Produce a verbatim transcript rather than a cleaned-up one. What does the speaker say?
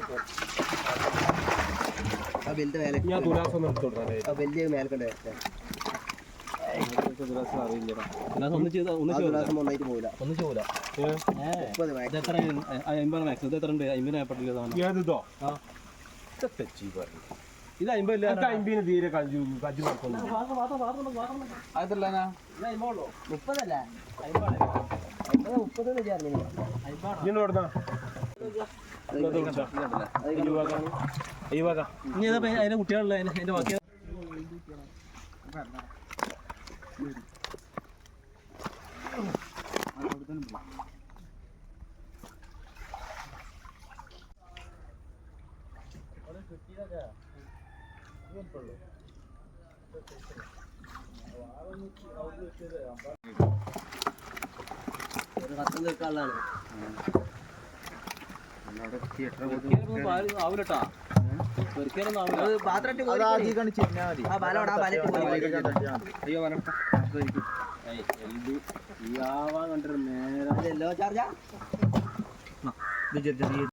ആ ബെല്ലിന്റെ മേലെ ഞാൻ തുലാസം ഒന്ന് എടുത്തു കൊടുക്കാം ആ ബെല്ല് മേലെ കണ്ടേ തുലാസം അറിയില്ലടാ ഒന്ന് ചെയ്താൽ ഒന്ന് തുലാസം ഒന്നായിട്ട് പോകില്ല ഒന്നും ചെയ്യൂല മുപ്പത് എത്ര അമ്പത് മാക്സ് ഇത് എത്ര ഉണ്ട് അമ്പത് ഏർപ്പെട്ടില്ല ഏതോ ആ തെച്ചി പറഞ്ഞു ഇത് അമ്പതില്ല അമ്പതിന് തീരെ കഞ്ചു കഞ്ചു അതല്ല മുപ്പതല്ല മുപ്പത് അതിന്റെ കുട്ടികളുള്ള അതിന്റെ ബാക്കി കത്ത് നിൽക്കാനുള്ളതാണ് ആവില്ലട്ടാ പാത്രം കണ്ടിട്ട് നേരെ ചാർജാ